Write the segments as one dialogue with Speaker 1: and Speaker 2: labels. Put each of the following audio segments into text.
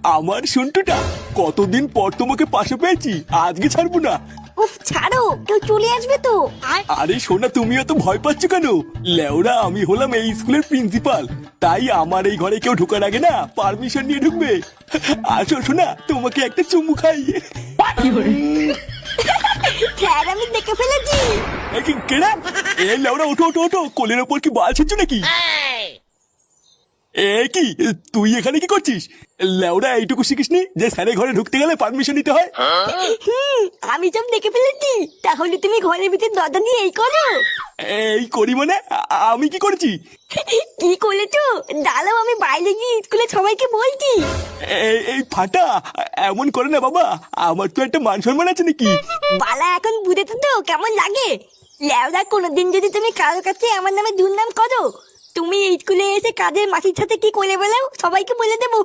Speaker 1: আমার সন্টুটা, কতদিন পর তোমাকে পাশে পেয়েছি, আজকে ছাড়বো না।
Speaker 2: উফ ছাড়ো, কেউ চলে আসবে তো।
Speaker 1: আরে সোনা, তুমি এত ভয় পাচ্ছ কেন? লেওরা, আমি হলাম এই স্কুলের প্রিন্সিপাল, তাই আমার এই ঘরে কেউ ঢোকার আগে না পারমিশন নিয়ে ঢুকবে। আসো সোনা, তোমাকে একটা চুমু খাই।
Speaker 2: স্যার আমি দেখে ফেলেছি।
Speaker 1: কেডা? এ লেওরা, ওঠো ওঠো ওঠো, কোলের ওপর কি বাল ছিচ্ছ নাকি? এ কি, তুই এখানে কি করছিস? লেওরা, এইটুকু শিখিসনি যে স্যারের ঘরে ঢুকতে গেলে পারমিশন নিতে হয়?
Speaker 2: আমি সব দেখে ফেলেছি। তাহলে তুমি ঘরের ভিতর দরজা দিয়ে এই করো।
Speaker 1: এই করি মানে? আমি কি করেছি?
Speaker 2: কি করেছো? দাঁড়াও, আমি বাইরে গিয়ে স্কুলে সবাইকে বলছি।
Speaker 1: এই ফাটা, এমন করে না বাবা, আমার তো একটা মান সম্মান আছে নাকি?
Speaker 2: বালা এখন বুঝেছো তো কেমন লাগে? লেওদা, কোনোদিন যদি তুমি কারোর কাছে আমার নামে দুর্নাম করো, তুমি এই স্কুলে এসে কাজের মাসির সাথে কি করে বেলাও সবাইকে বলে দেবো।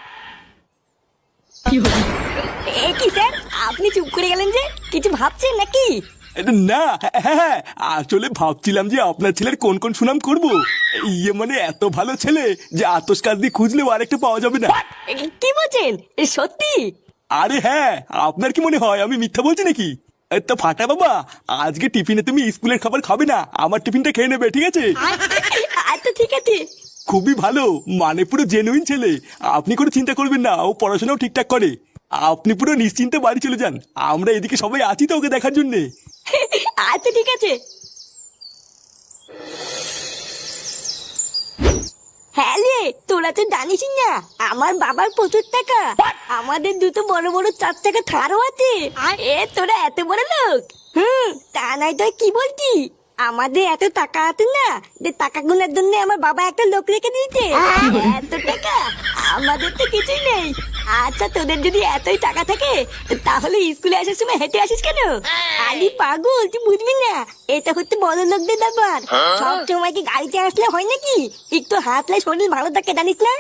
Speaker 2: এ কি স্যার, আপনি চুপ করে গেলেন যে? কিছু ভাবছেন নাকি?
Speaker 1: না, হ্যাঁ, আসলে ভাবছিলাম যে আপনার ছেলের কোন কোন সুনাম করব। ইয়ে মানে, এত ভালো ছেলে যে আতস কাজ দিয়ে খুঁজলেও আরেকটা পাওয়া যাবে না।
Speaker 2: কি বলছেন? সত্যি?
Speaker 1: আরে হ্যাঁ, আপনার কি মনে হয় আমি মিথ্যা বলছি নাকি? তো ফাটা বাবা, আজকে টিফিনে তুমি স্কুলের খাবার খাবে না, আমার টিফিনটা খেয়ে নেবে, ঠিক আছে?
Speaker 2: আচ্ছা ঠিক আছে।
Speaker 1: খুবই ভালো, মানে পুরো জেনুইন ছেলে। আপনি কোনো চিন্তা করবেন না, ও পড়াশোনাও ঠিকঠাক করে। আপনি পুরো নিশ্চিন্তে বাড়ি চলে যান, আমরা এদিকে সবাই আছি তো ওকে দেখার জন্যে।
Speaker 2: আচ্ছা ঠিক আছে। হ্যাঁ রে, তোরা তো জানিস না আমার বাবার প্রচুর টাকা। আমাদের দুটো বড় বড় 4 চাকা থারও আছে। এ তোরা এত বড় লোক? তা নাই তো কি বলছি? আমাদের এত টাকা আছে না যে টাকা গুনার জন্য আমার বাবা একটা লোক রেখে দিয়েছে। এত টাকা আমাদের তো কিছুই নেই। আচ্ছা, তোদের যদি এতই টাকা থাকে তাহলে স্কুলে আসার সময় হেঁটে আসিস কেন? আলি পাগল, তুই বুঝবি না, এটা হচ্ছে বড় লোকদের ব্যাপার। সব সময় কি গাড়িতে আসলে হয় নাকি? একটু হাঁটলে শরীর ভালো থাকে, জানিস না?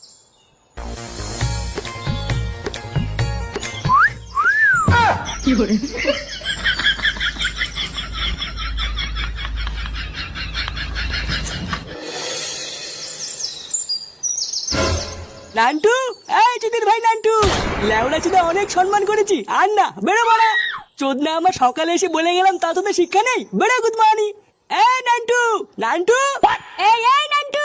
Speaker 3: নান্টু, এই চুদির ভাই নান্টু, লেওড়া চুদা অনেক সম্মান করেছি, আর না বেরো বড়া। চোদনা আমার সকালে এসে বলে গেলাম, তা তোদের শিক্ষা নেই? বেরো গুদমানি। এই নান্টু, নান্টু,
Speaker 2: এই এই নান্টু,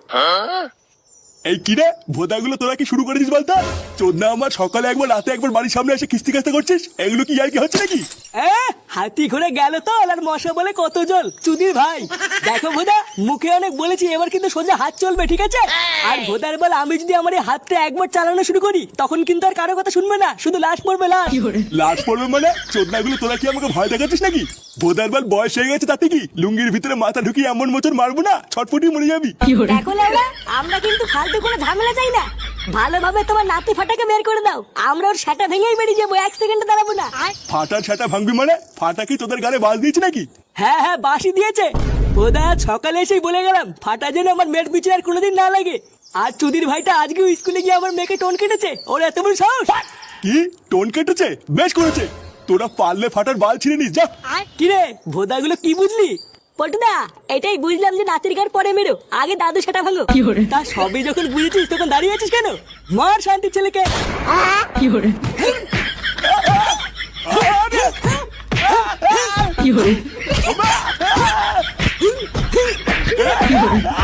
Speaker 1: এই কিরে ভোদাগুলো, তোরা কি শুরু করেছিস বলতো? চোদনা আমার সকালে একবার, রাতে একবার বাড়ির সামনে এসে কিস্তি কাস্তা করছিস, এগুলো কি আর কি হচ্ছে নাকি?
Speaker 3: হাতি ঘুরে গেল তো, আর মশা বলে কত জল। চুদির ভাই দেখো ভোদা, মুখে অনেক বলেছি, এবার কিন্তু সোজা হাত চলবে, ঠিক আছে? আর ভোদার বল, আমি যদি আমার এই হাতটা একবার চালানো শুরু করি তখন কিন্তু আর কারো কথা শুনবে না, শুধু লাশ পড়বে, লাশ।
Speaker 1: লাশ পড়বে মানে? চোদনাগুলো, তোরা কি আমাকে ভয় দেখাচ্ছিস নাকি? ভোদার বল বয়স হয়ে গেছে, তাতে কি লুঙ্গির ভিতরে মাথা ঢুকিয়ে এমন মোচন মারবো না, ছটফটি মরে যাবি।
Speaker 2: দেখো লেওড়া, আমরা কিন্তু ফালতু কোনো ঝামেলা চাই না। ভালোভাবে তোমার নাতি ফাটাকে বের করে দাও, আমরা ওর সেটা ভেঙেই বেরিয়ে যাবো, 1 সেকেন্ডে দাঁড়াবো না।
Speaker 1: ফাটার ছাটা ভাঙবি মানে? ফাটা কি তোদের গালে বাজ দিয়েছে নাকি?
Speaker 3: হ্যাঁ হ্যাঁ, বাসি দিয়েছে। ভোদা সকালে এসেই বলে গেলাম, ফাটা যেন আমার মেয়ের পিছনে আর কোনোদিন না লাগে। আর চুদির ভাইটা আজকেও স্কুলে গিয়ে আমার মেয়েকে টোন কেটেছে, ওর এত বড় সাহস।
Speaker 1: কি টোন কেটেছে? বেশ করেছে, তোরা পারলে ফাটার বাল ছিঁড়ে নিস, যা।
Speaker 3: কিরে ভোদাগুলো কি বুঝলি?
Speaker 2: পটুদা, এটাই বুঝলাম যে নাতির গার পরে মেরো, আগে দাদু সেটা ভাঙো।
Speaker 3: তা সবই যখন বুঝেছিস তখন দাঁড়িয়ে আছিস কেন? মার শান্তির ছেলেকে।
Speaker 1: আরে!